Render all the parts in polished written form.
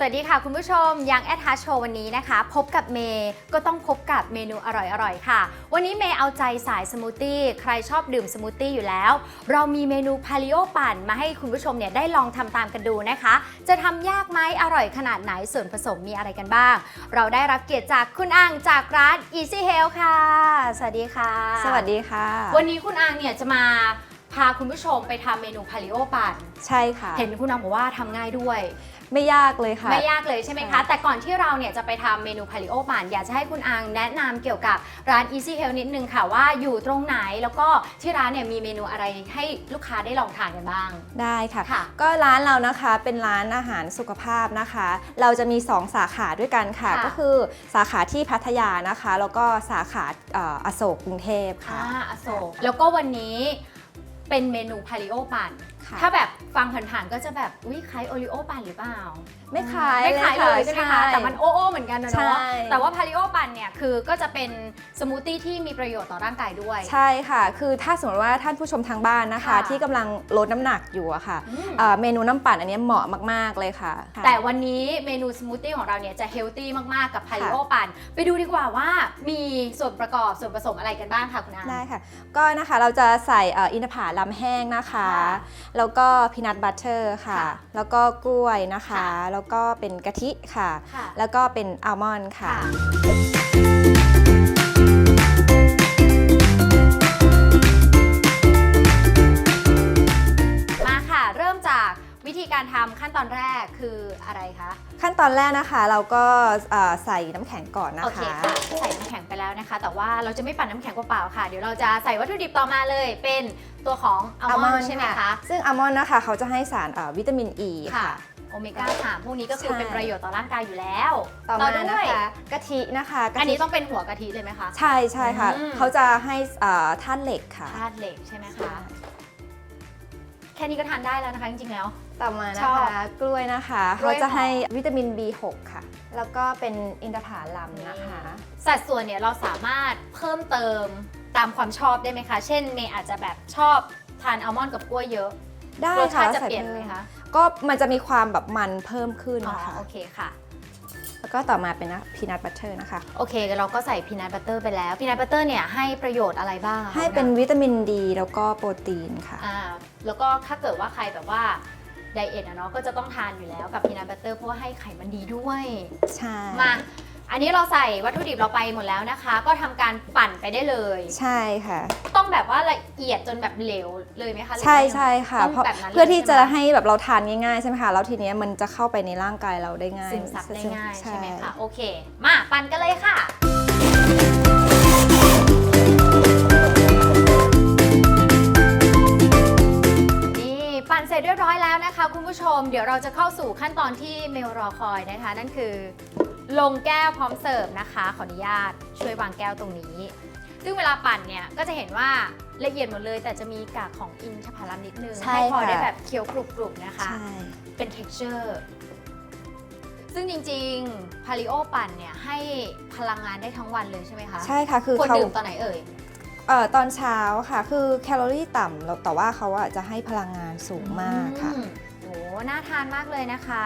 สวัสดีค่ะคุณผู้ชมยังแอดฮาร์ทโชว์วันนี้นะคะพบกับเมย์ก็ต้องพบกับเมนูอร่อยๆค่ะวันนี้เมย์เอาใจสายสมูทตี้ใครชอบดื่มสมูทตี้อยู่แล้วเรามีเมนูพาลิโอปั่นมาให้คุณผู้ชมเนี่ยได้ลองทำตามกันดูนะคะจะทำยากไหมอร่อยขนาดไหนส่วนผสมมีอะไรกันบ้างเราได้รับเกียรติจากคุณอังจากร้าน Easy Health ค่ะสวัสดีค่ะสวัสดีค่ะวันนี้คุณอังเนี่ยจะมาพาคุณผู้ชมไปทำเมนูพาลิโอปั่นใช่ค่ะเห็นคุณอังบอกว่าทำง่ายด้วยไม่ยากเลยค่ะไม่ยากเลยใช่ไหมคะแต่ก่อนที่เราเนี่ยจะไปทำเมนูพาลิโอปั่นอยากจะให้คุณอังแนะนำเกี่ยวกับร้าน Easy Health นิดนึงค่ะว่าอยู่ตรงไหนแล้วก็ที่ร้านเนี่ยมีเมนูอะไรให้ลูกค้าได้ลองทานกันบ้างได้ค่ะก็ร้านเรานะคะเป็นร้านอาหารสุขภาพนะคะเราจะมี2สาขาด้วยกันค่ะก็คือสาขาที่พัทยานะคะแล้วก็สาขาอโศกกรุงเทพค่ะอโศกแล้วก็วันนี้เป็นเมนูพาลิโอปั่นถ้าแบบฟังผ่านๆก็จะแบบอุ๊ยคล้ายโอริโอปั่นหรือเปล่าไม่คล้ายเลยใช่ไหมคะแต่มันโอ้เหมือนกันนะเนาะแต่ว่าพาลิโอปั่นเนี่ยคือก็จะเป็นสมูทตี้ที่มีประโยชน์ต่อร่างกายด้วยใช่ค่ะคือถ้าสมมติว่าท่านผู้ชมทางบ้านนะคะที่กำลังลดน้ำหนักอยู่อะค่ะเมนูน้ำปั่นอันนี้เหมาะมากๆเลยค่ะแต่วันนี้เมนูสมูทตี้ของเราเนี่ยจะเฮลตี้มากๆกับพาลิโอปั่นไปดูดีกว่าว่ามีส่วนประกอบส่วนผสมอะไรกันบ้างค่ะคุณอาได้ค่ะก็นะคะเราจะใส่อินทผลัมแห้งนะคะแล้วก็พีนัทบัตเตอร์ค่ะแล้วก็กล้วยนะคะแล้วก็เป็นกะทิค่ะแล้วก็เป็นอัลมอนด์ค่ะมาค่ะเริ่มจากวิธีการทำขั้นตอนแรกคืออะไรคะขั้นตอนแรกนะคะเราก็ใส่น้ำแข็งก่อนนะคะโอเคค่ะใส่น้ำแข็งไปแล้วนะคะแต่ว่าเราจะไม่ปั่นน้ำแข็งเปล่าๆค่ะเดี๋ยวเราจะใส่วัตถุดิบต่อมาเลยเป็นตัวของอัลมอนด์ใช่ไหมคะซึ่งอัลมอนด์นะคะเขาจะให้สารวิตามินอ e ค่ะโอเมก้า3พวกนี้ก็คือเป็นประโยชน์ต่อร่างกายอยู่แล้วต่อมานะคะกะทินะคะอันนี้ต้องเป็นหัวกะทิเลยไหมคะใช่ใช่ค่ะเขาจะให้ธาตุเหล็กค่ะธาตุเหล็กใช่ไหมคะแค่นี้ก็ทานได้แล้วนะคะจริงๆแล้วต่อมานะคะกล้วยนะคะเขาจะให้วิตามิน B6 ค่ะแล้วก็เป็นอินทผลัมนะคะสัดส่วนเนี่ยเราสามารถเพิ่มเติมตามความชอบได้ไหมคะเช่นเมย์อาจจะแบบชอบทานอัลมอนด์กับกล้วยเยอะได้รสชาติจะเปลี่ยนไหมคะก็มันจะมีความแบบมันเพิ่มขึ้นนะคะโอเคค่ะแล้วก็ต่อมาเป็นพีนัทบัตเตอร์นะคะโอเคเราก็ใส่พีนัทบัตเตอร์ไปแล้วพีนัทบัตเตอร์เนี่ยให้ประโยชน์อะไรบ้างให้เป็นวิตามินดีแล้วก็โปรตีนค่ะแล้วก็ถ้าเกิดว่าใครแบบว่าไดเอทเนาะก็จะต้องทานอยู่แล้วกับพีนัทบัตเตอร์เพราะว่าให้ไขมันดีด้วยใช่มาอันนี้เราใส่วัตถุดิบเราไปหมดแล้วนะคะก็ทำการปั่นไปได้เลยใช่ค่ะต้องแบบว่าละเอียดจนแบบเหลวเลยไหมคะใช่ใช่ค่ะเพื่อที่จะให้แบบเราทานง่ายๆใช่ไหมคะแล้วทีนี้มันจะเข้าไปในร่างกายเราได้ง่ายซึมซับได้ง่ายใช่ไหมคะโอเคมาปั่นกันเลยค่ะปั่นเสร็จเรียบร้อยแล้วนะคะคุณผู้ชมเดี๋ยวเราจะเข้าสู่ขั้นตอนที่เมลรอคอยนะคะนั่นคือลงแก้วพร้อมเสิร์ฟนะคะขออนุญาตช่วยวางแก้วตรงนี้ซึ่งเวลาปั่นเนี่ยก็จะเห็นว่าละเอียดหมดเลยแต่จะมีกากของอินทผลัมนิดนึงให้พอได้แบบเคี้ยวกรุบๆนะคะเป็น texture ซึ่งจริงๆพาลิโอปั่นเนี่ยให้พลังงานได้ทั้งวันเลยใช่ไหมคะใช่ค่ะคือควรดื่มตอนไหนเอ่ยตอนเช้าค่ะคือแคลอรี่ต่ำแต่ว่าเขาจะให้พลังงานสูงมากค่ะโอ้น่าทานมากเลยนะคะ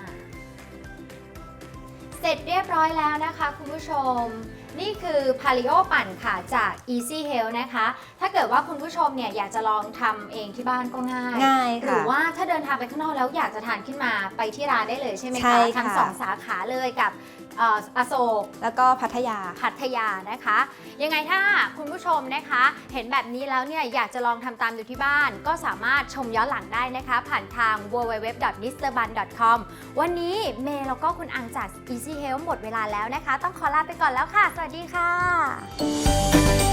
เสร็จเรียบร้อยแล้วนะคะคุณผู้ชมนี่คือพาลิโอปั่นค่ะจาก Easy Health นะคะถ้าเกิดว่าคุณผู้ชมเนี่ยอยากจะลองทำเองที่บ้านก็ง่ายค่ะหรือว่าถ้าเดินทางไปข้างนอกแล้วอยากจะทานขึ้นมาไปที่ร้านได้เลยใช่ไหมคะทั้ง2สาขาเลยกับอโศกแล้วก็พัทยานะคะยังไงถ้าคุณผู้ชมนะคะเห็นแบบนี้แล้วเนี่ยอยากจะลองทำตามดูที่บ้านก็สามารถชมย้อนหลังได้นะคะผ่านทาง www.mrbun.com วันนี้เมย์แล้วก็คุณอังจาก Easy Health หมดเวลาแล้วนะคะต้องขอลาไปก่อนแล้วค่ะสวัสดีค่ะ